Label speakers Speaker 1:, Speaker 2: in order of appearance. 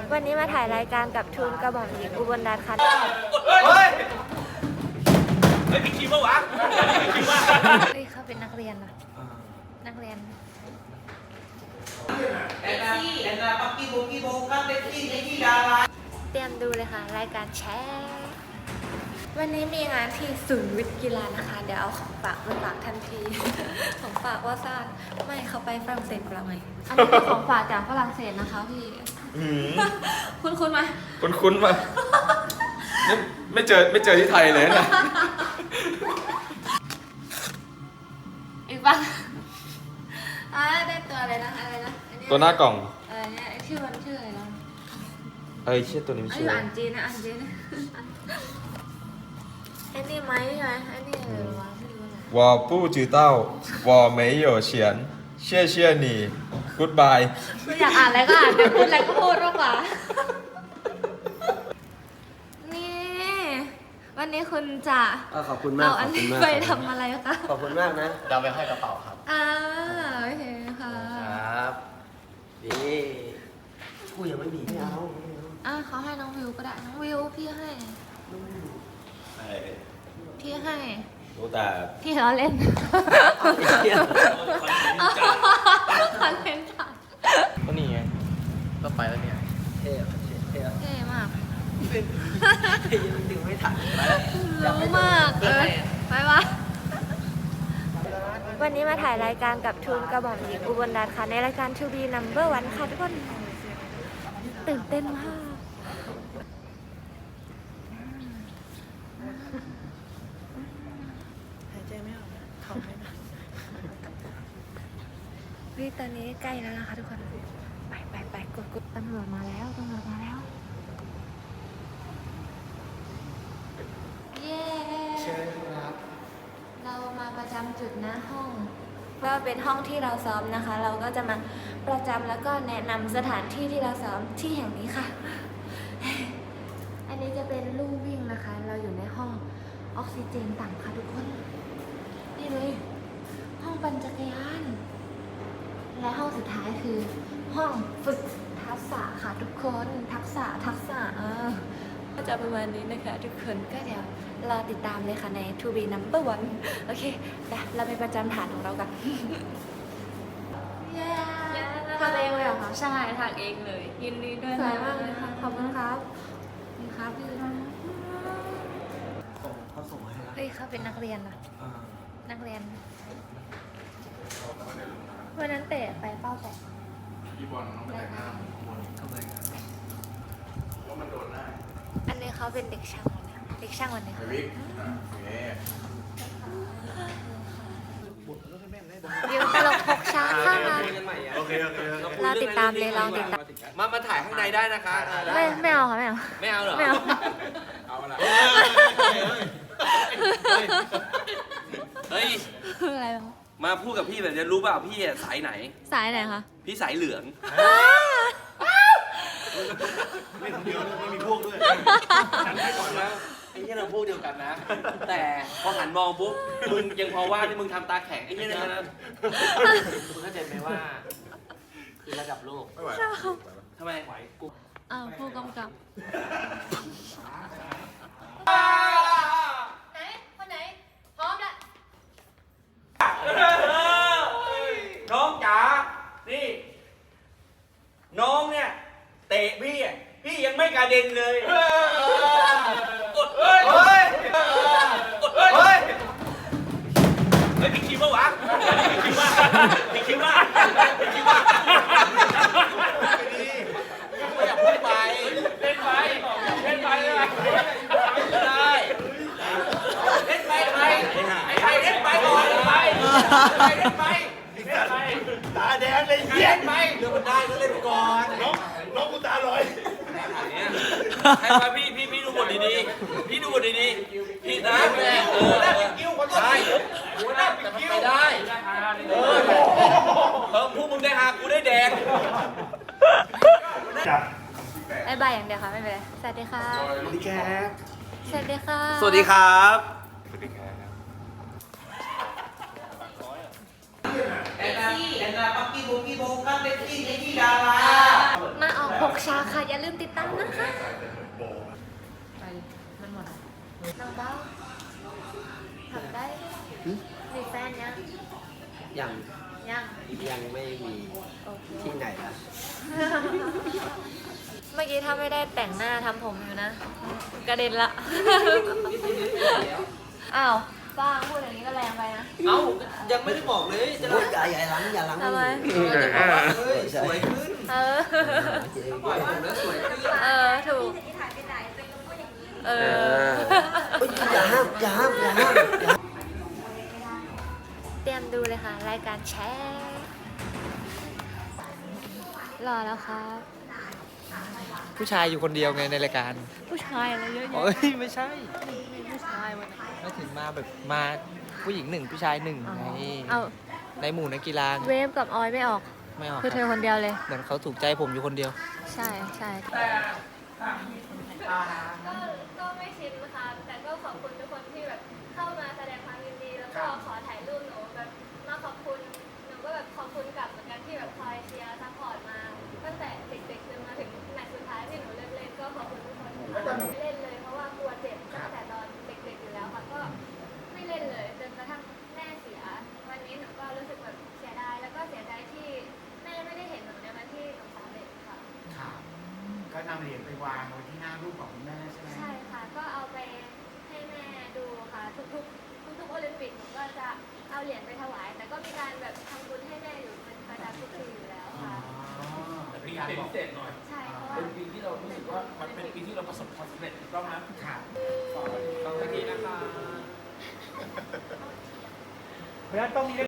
Speaker 1: วันนี้มาถ่ายรายการกับทูลกระหม่อมหญิงอุบลรัตน์ค่ะ
Speaker 2: เฮ้ยมีคิวปะวะคิวปะ
Speaker 1: เฮ้ยเขาเป็นนักเรียนนะนักเรียนเตรียมดูเลยค่ะรายการแชร์วันนี้มีงานที่ศูนย์วิทย์กีฬานะคะเดี๋ยวเอาของฝากไปฝากทันทีของฝากว่าซ่านไม่เขาไปฝรั่งเศสกับเราไงอันนี้เป็นของฝากจากฝรั่งเศสนะคะพี่คุ้นไหม
Speaker 2: คุ้นมานี่ไม่เจอที่ไทยเลยนะ
Speaker 1: อีกปะได้ตัวอะไรนะอะไรนะ
Speaker 2: ตัวหน้ากล่อง
Speaker 1: เนี่ยชื่อมันชื่ออะไรนะ
Speaker 2: ชื่อตัวนี้ไม่ชื่อ
Speaker 1: อ่านจีนนะอ่านจีนนะไอ้นี่ไหมใช่ไหมไอ้นี่อะไรวะไม่รู้นะ
Speaker 2: 我不知道我没有钱谢谢你 goodbye
Speaker 1: คืออยากอ่านอะไรก็อ่านอยากพูดอะไรก็พูดมากกว่านี่วันนี้คุณจะ
Speaker 3: ขอบคุณมาก
Speaker 1: เอาอันนี้ไปทำอะไรคะ
Speaker 3: ขอบคุณมากนะเราไปห้อยกระเป๋าครับ
Speaker 1: โอเคค่ะ
Speaker 3: ครับนี่กูยังไม่มีไม่เอา
Speaker 1: เขาให้น้องวิวก็ได้น้องวิวพี่ให้
Speaker 3: รู้แต่
Speaker 1: พี่ล้อเล่นคอนเทนต์จัด
Speaker 3: ก็นี่ไงก็ไปแล้วเนี่ยเท่
Speaker 1: มาก
Speaker 3: ยังดึงไม่ทัน
Speaker 1: รู้มากไปวะวันนี้มาถ่ายรายการกับทูลกระหม่อมหญิงอุบลรัตน์ค่ะในรายการ To Be Number One ค่ะทุกคนตื่นเต้นมากหายใจไม่ออกนะท้องไม่หนักตอนนี้ใกล้แล้วนะคะทุกคนไปกดตำรวจมาแล้วเย้
Speaker 3: เชิญครับ
Speaker 1: เรามาประจำจุดนะห้องก็เป็นห้องที่เราซ้อมนะคะเราก็จะมาประจำแล้วก็แนะนำสถานที่ที่เราซ้อมที่แห่งนี้ค่ะอันนี้จะเป็นลู่วิ่งนะคะเราอยู่ในห้องออกซิเจนต่ำค่ะทุกคนนี่เลยห้องปั่นจักรยานและห้องสุดท้ายคือห้องฝึกทักษะค่ะทุกคนทักษะก็จะประมาณนี้นะคะทุกคนก็เดี๋ยวรอติดตามเลยค่ะใน To Be Number One โอเคเราไปประจำฐานของเรากันทำเองเลยเหรอคะ
Speaker 4: ใช่ทำเองเลยยินดีด้วย
Speaker 1: สวยมากเลยค่ะขอบคุณครับพี่
Speaker 3: เขาส่งให้แล้ว
Speaker 1: เขาเป็นนักเรียนนะนักเรียนวันนั้นเตะไปเป้าแตะ
Speaker 2: พี่บอลต้องไปแต่งหน้า
Speaker 3: ทำไม
Speaker 2: ว่ามันโดนหน้า
Speaker 1: อันนี้เขาเป็นเด็กช่างวันนี้ค่ะ
Speaker 2: วิก
Speaker 1: วิวตลกพกช้าค่ะ
Speaker 2: โอเค
Speaker 1: เราติดตามเลยลองติดตาม
Speaker 3: มาถ่ายข้างในได้นะคะ
Speaker 1: ไม่เอาค่ะไม่
Speaker 3: เอาเหรอ
Speaker 2: เอาอะไร
Speaker 3: เฮ้ย
Speaker 1: อะไรวะ
Speaker 3: มาพูดกับพี่แบบนี้รู้เปล่าพี่สายไหน
Speaker 1: คะ
Speaker 3: พี่สายเหลือง
Speaker 2: ไม่คนเดียวไม่มีพวกด้วยฉันให้ก่อนนะ
Speaker 3: ไอ้ที่เราพูดเดียวกันนะแต่พอหันมองปุ๊บมึงยังพอว่าที่มึงทำตาแข็งไอ้ที่นั่นนะมึงเข้าใจไหมว่าคือระดับโลก
Speaker 2: ไม่ไหว
Speaker 3: ทำไมไหวกู
Speaker 1: ผู้กำกับคนไหนพร้อมแล้ว
Speaker 3: น้องจ๋านี่น้องเนี่ยเตะพี่ยังไม่กระเด็นเลยกดมีคิวปะวะมีคิวปะอย่าพูดไปเล่นไปเลยได้เล่นไปใครเล่นไปก่อนไปเล่นไป
Speaker 2: ตาแดงเลย
Speaker 3: เล่นไปเรื่องมันได้ก็เล่นก่อน
Speaker 2: น้องกูตาลอย
Speaker 3: ให้มาพี่ดูบทดีๆพี่นะ
Speaker 2: กิ้วคนได้
Speaker 3: หัวหน้าปิดกิ้วไม่ได้พวกมึงได้หากูได้แดง
Speaker 1: บายอย่างเดียวค่ะไม่เป็นไรสวัสดีค่ะ
Speaker 3: สวัสดีครับ
Speaker 1: สวัสดีค่ะ
Speaker 3: สวัสดีครับอันนั้นปักกี้โบกันเด็กกี้ในที่ดารา
Speaker 1: มาออก6ชาค่ะ อย่าลืมติดตามนะคะ
Speaker 4: ไป มันหมด
Speaker 1: น้องเบ้าทำได้มีแฟนยัง
Speaker 5: ยัง
Speaker 1: ยัง
Speaker 5: ยังไม่มี
Speaker 1: โอเค
Speaker 5: ที่ไหนล่ะ
Speaker 1: เมื่อกี้ถ้าไม่ได้แต่งหน้าทำผมอยู่นะ กระเด็นละ อ้าวป้างพูดอย่างนี้ก็แรงไปนะ
Speaker 5: เอ้า ยังไม่ได้บอกเลยจะพูดอย่าหลังอย่าหลัง
Speaker 1: ทำไม
Speaker 5: จะบอกว่าเฮ้ยสวยขึ้น
Speaker 1: เออ
Speaker 5: ปล่อยผมแล้วสวยขึ้น
Speaker 1: เออ ถูก เออ
Speaker 5: เฮ้ยอย่าห้ามอย่าห้ามอย่าห้าม
Speaker 1: เตรียมดูเลยค่ะ รายการแชร์รอแล้วครับ
Speaker 6: ผู้ชายอยู่คนเดียวไงในรายการ
Speaker 1: ผู้ชายอะไรเยอะ
Speaker 6: เอ้ยไม่ใช่
Speaker 1: ผู้ชายวันนี้
Speaker 6: ไม่ถึงมาแบบมาผู้หญิงหนึ่งผู้ชายหนึ่งไง
Speaker 1: เอา
Speaker 6: ในหมู่นักกีฬาไง
Speaker 1: เวฟกับออยไม่ออก
Speaker 6: ไม่ออก
Speaker 1: คือ
Speaker 6: ค
Speaker 1: เธ
Speaker 6: รับ
Speaker 1: อคนเดียวเลย
Speaker 6: เหมือนเขาถูกใจผมอยู่คนเดียว
Speaker 1: ใช่ใช่ก็ไม่ชินนะคะแต่ก็ขอบคุณทุกคนที่แบบเข้ามาแสดงความยินดี แล้วก็ขอถ่ายรูปหนูแบบมาขอบคุณหนูก็แบบขอบคุณกลับเหมือนกันที่แบบคอยเชียร์ซัพพอร์ตมาตั้งแต่เด็กๆจนมาถึงแมตช์สุดท้ายที่หนูเลิกเล่นก็ขอบคุณทุกคนที่ไม่เล่นเลยเพราะว่ากลัวเจ็บตั้งแต่ตอนเด็กๆอยู่แล้วค่ะก็ไม่เล่นเลยจนกระทั่งแม่เสียวันนี้หนูก็รู้สึกแบบเสียดายแล้วก็เสียใจที่แม่ไม่ได้เห็นหนูในวันที่หนูสำเร็จค่ะ
Speaker 7: ค่ะก็นำเหรียญไปวางไว้ที่หน้ารูปของคุณแม่ใช่ไหม
Speaker 1: ใช่ค่ะ ก็เอาไปให้แม่ดูค่ะ ทุกโอลิมปิกหนูก็จะเอาเหรียญไปถวาย แต่ก็มีการแบบทำบุญให้แม่อยู่เป็นประจำทุกปีอยู่แล้ว
Speaker 7: อ๋อ
Speaker 1: ค่ะ
Speaker 7: แต่เป็นการบอก
Speaker 1: ใช่เพราะว่า
Speaker 8: เป็นปีที่เรารู้สึกว่ามันเป็นปีที่เราประสบความสำเร็จถูกต้องไหม
Speaker 7: ค่ะ
Speaker 8: ขอบคุณทีนะคะ
Speaker 7: เพราะฉะนั้นต้องมี